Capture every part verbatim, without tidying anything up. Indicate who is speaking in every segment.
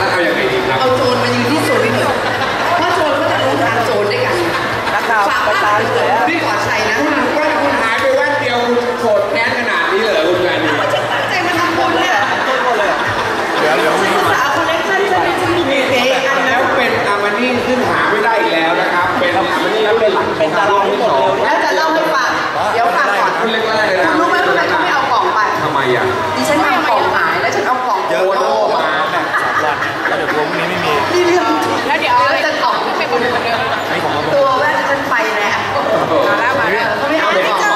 Speaker 1: แล้วเอาอย่างไรดีครับ
Speaker 2: เอาโจรมายืนที่โซนนี่เถอะเพราะโจรก็จะรู้ทางโจรด้วยกันฝากบ้านเถอะพี่ปลอดชัยนะ
Speaker 1: ว่าคุณหายไปแว่นเดียวโกรธแค้นขนาดนี้เลยคุณแฟน
Speaker 2: ว่าจะตั้งใจมาทำบุญเนี่ย
Speaker 3: เดี๋ยวเดี๋ยวมี
Speaker 2: สาวคนเล็กท่านจะมีมีเอ๊ะ
Speaker 1: แล้วเป็นอามานี่ขึ้นหาไม่ได้อีกแล้วนะครับเป็นอามานี่แล้วเป็นหลังเป็นตาลองที่สอง
Speaker 2: แล้วจะเล่าให้ฟังเดี๋ยวฟังก่อน
Speaker 1: คุณเล็กๆเลยนะ
Speaker 2: คุณรู้ไหมทำไมเขาไม่เอากล่องไป
Speaker 1: ทำไมอ่ะ
Speaker 2: ดิฉันทำกล่องหายแล้วฉันเอากล่อง
Speaker 3: เยอะโตมาแบ่งสามวันแล้วเดี๋ยวพรุ่งนี้ไม่มี
Speaker 2: นี่เรื่องแล้วเดี๋ยวจะกล่องไม่เป็นคนเดิมตัวแว่นฉันไปแล้วมาแล้วมาแล้วเขาไม่เอาไม่เจอ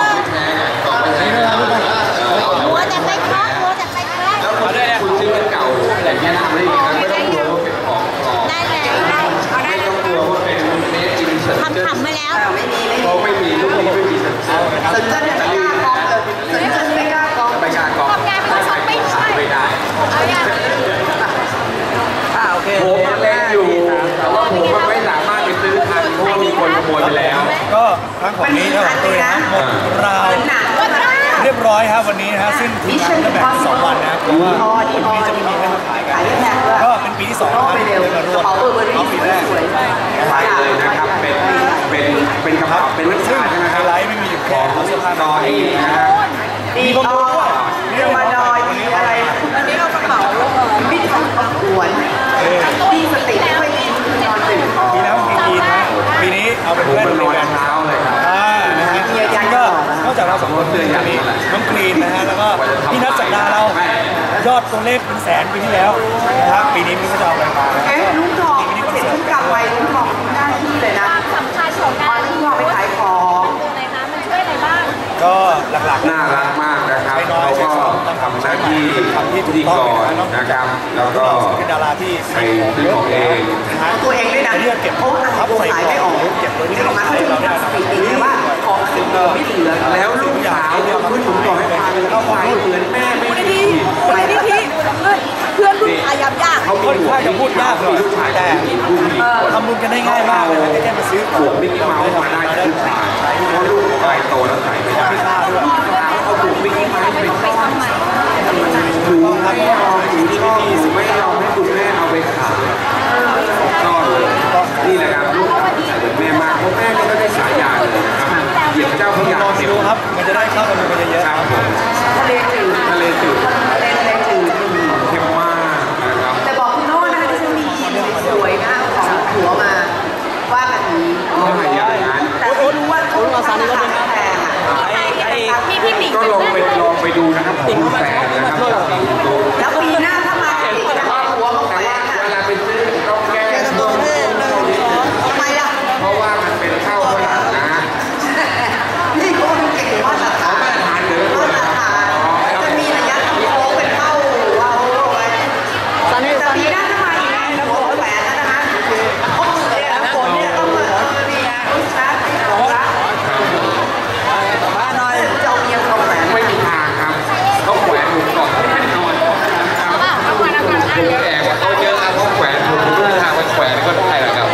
Speaker 4: หัวแต่ไม่ครบหัวแต่ไม่ครบ
Speaker 1: แล้วคุณซื้อเป็นเก่าแต่แค่ทำได้ยังไม่ต้องกลัวว่าเป็นของปลอม
Speaker 4: ได้แล้วได้เอาได้
Speaker 1: ไม่ต้องกลัวว่าเป็นเมสอินเซอร์
Speaker 4: ทำขำมาแล้ว
Speaker 2: ไม่มีไม่มี
Speaker 1: เขาไม่มีลูกนี้ไม่มีสัญชาติ
Speaker 2: สัญชาติไม่กล้ากองเลยสัญชาติไม่กล้ากอง
Speaker 1: ไม่กล้ากอง
Speaker 4: งานเขาชอบไม่ใช่
Speaker 1: ไม่ได้
Speaker 4: เอาอย่าง
Speaker 2: อ่าโอเค
Speaker 1: ผมเล่นอยู่แต่ว่าผมมันไม่สามารถไปซื้อทันเพราะว่ามีคนขโมยไปแล้ว
Speaker 3: ก็ครั้งของนี้ครับตัวนะหมดราวเรียบร้อยครับวันนี้นะฮะซึ่งทีมงานจะแบ่งสองวันนะครับเพราะว่าวันนี้จะไม่มีให้มาขายกันก็เป็นปีที่สองครับที่ได้มาร่วมเอาปีแรก
Speaker 1: ใช่เลยนะครับเป็นเป็นเป็นกระเป๋าเป็นนักศึกษาใช่ไหมครับ
Speaker 3: ไลท์ไม่มีอยู่แค่เสื้อผ้าน
Speaker 1: อนเองนะฮะ
Speaker 2: มีบอลมีมาดอยมีอะไรอันนี้เรากระเป๋ามิดของประกวดมีสติไม่ค่อยดีคือนอนตื่น
Speaker 3: ปีแล้วปีกีนะปีนี้เอาเป็นเพื่อน
Speaker 1: นอนเช้าเลยครับ
Speaker 3: อ่านะฮะก็นอกจากเราสองคนเตือนอย่างนี้น้องกรีนนะฮะแล้วก็พี่นัทสัปดาห์เรายอดตัวเลขเป็นแสนปีที่แล้วนะครับปีนี้พี่ก็จะเอาอะไรมา
Speaker 2: เอ๊ะลุงทองเสร็จทุกกรรมไว้ลุงทองหน้าที่เลยนะ
Speaker 4: สำคัญของการ
Speaker 2: ลุงทองไปขายของ
Speaker 4: อะไรคะมันช่วยอะไรบ้าง
Speaker 3: ก็หลักๆ
Speaker 1: น่ารักมากนะครับเขาก็ทำหน้าที่พิธีกรนะครับแล้วก็
Speaker 3: เป็นดาราที่
Speaker 1: ไปซื้อของเอง
Speaker 2: ตัวเองด้วยนะเก็บเขาขายไม่ออก
Speaker 3: เก็บไว้ที่
Speaker 2: เขาจะมีสถิติว่าของสิบไม่เหลือ
Speaker 1: แล้วลูกสาวเนี่ยคุณผมบอกให้ฟังเลยเขาไปเหมือนแม่ไม่ได้
Speaker 4: ที่ไม่ได้ที่เพื่อนรุ่นอายับยาก
Speaker 3: เขาค่อนข้างจะพูดยากเลยแต่ทำบุญกันได้ง่ายมากเลยแค่มาซื้อ
Speaker 1: ขวดมิกกี้เมาส์มาได้ทุกบาทเพราะลูกไปโตแล้วใส่ไม่ได้เขาถูกมิกกี้เมาส์ไปซ่อนหนูไม่ยอมหนูชอบหนูไม่ยอมให้คุณแม่เอาไปขายก็เลยนี่แหละครับลูกใส่เหมือนแม่มากเพราะแม่ก็ได้สายยาเลยนะครับเหยียบเจ้าพระยา
Speaker 3: เดียวครับมันจะได้เข้ากันไปเยอะ
Speaker 1: ๆครับผม
Speaker 2: ทะเลจืด
Speaker 1: ทะเลจืด
Speaker 2: ทะเลทะเลจืด
Speaker 1: เข้มมากนะครับ
Speaker 2: แต่บอกคุณโน่นะคะที่ฉันมียีนสวยๆนะของหัวมาว่าแบบนี้แต่ไม่รู้ว่าเขาราคาแพงอ่ะ
Speaker 4: พี่พี่หมิง
Speaker 1: ก็ลองไปลองไปดูนะครับผมแสนนะครับ
Speaker 2: แล้วปีหน้าถ้ามาอีกจะเอาหัวมาแขวน
Speaker 1: เวลาไปซื้อต้องแก้ตัว
Speaker 2: ทำไมล่ะ
Speaker 1: เพราะว่ามันเป็นข้าวฝรั่งนะ
Speaker 2: นี่ก็มันเก่งว่าสถาน
Speaker 1: มาตรฐานเลย
Speaker 2: มาตรฐานจะมีระยะทำโค้งเป็นเท่าเราไว้ตอนนี้แต่ปีหน้าถ้ามาอีกนะหัวแหวนนะคะโอ้โหเนี่ยฝนเนี่ยต้องมาเออนี่นะรู้ชัดรู้ชัดบ้านหน่อยเจ้าเมียเขาแหวน
Speaker 1: ไม่มีทางครับเขาแขวนผมก่อนแน่นอนผมแอบเขาเยอะครับเขาแขวนผมรู้ทางไปแขวนก็ได้แหละครับ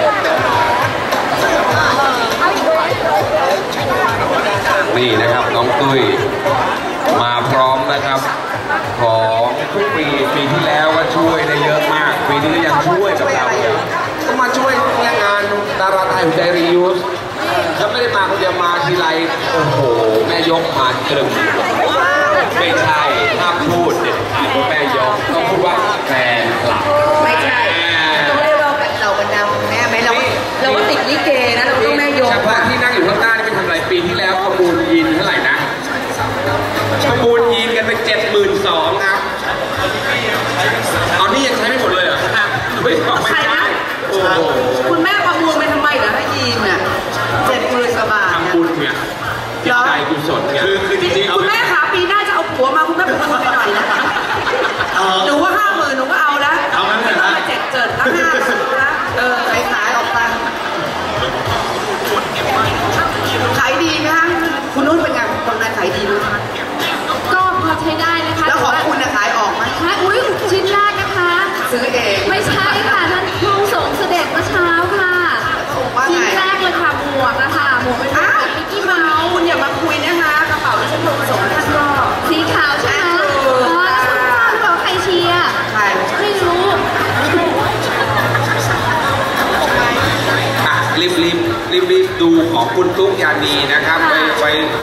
Speaker 1: นี่นะครับน้องตุ้ยมาพร้อมนะครับของทุกปีปีที่แล้วก็ช่วยได้เยอะมากปีนี้ก็ยังช่วยกับเราก็มาช่วยงานดาราไทยหัวใจรียูสแล้วไม่ได้มาคนเดียวมาทีไรโอ้โหแม่ยกมาตรึมไม่ใช่ถ้าพูดเด็ดขาดว่าแม่ยกต้องพูดว่าแฟนคลับ
Speaker 2: ไม่ใช่ต้องเรียกว่าเราบรรดาแม่ไหมเราเราก็ติดลิเกนะเราต้องแม่ยก
Speaker 1: เฉพาะที่นั่งอยู่ข้างหน้านี่เป็นทำอะไรปีที่แล้วประมูลยีนเท่าไหร่นะประมูลยีนกันไปเจ็ดหมื่นสองครับเอานี่ยังใช้ไม่หมดเลยเหรอไม่ไม่ใช่
Speaker 2: คุณแม่ประมูลไปทำไมเหรอให้ยีนเนี่ยเจ็ดหมื่นกว่าบาท
Speaker 1: ทำบุญเนี่ยจิตใจกุศลเนี่ย
Speaker 2: คือคือจริงๆคุณแม่ขาปีหน้าจะเอาผัวมาคุณแม่ประมูลไปหน่อยนะ
Speaker 1: ดูของคุณตุ๊กยานีนะครับไปไป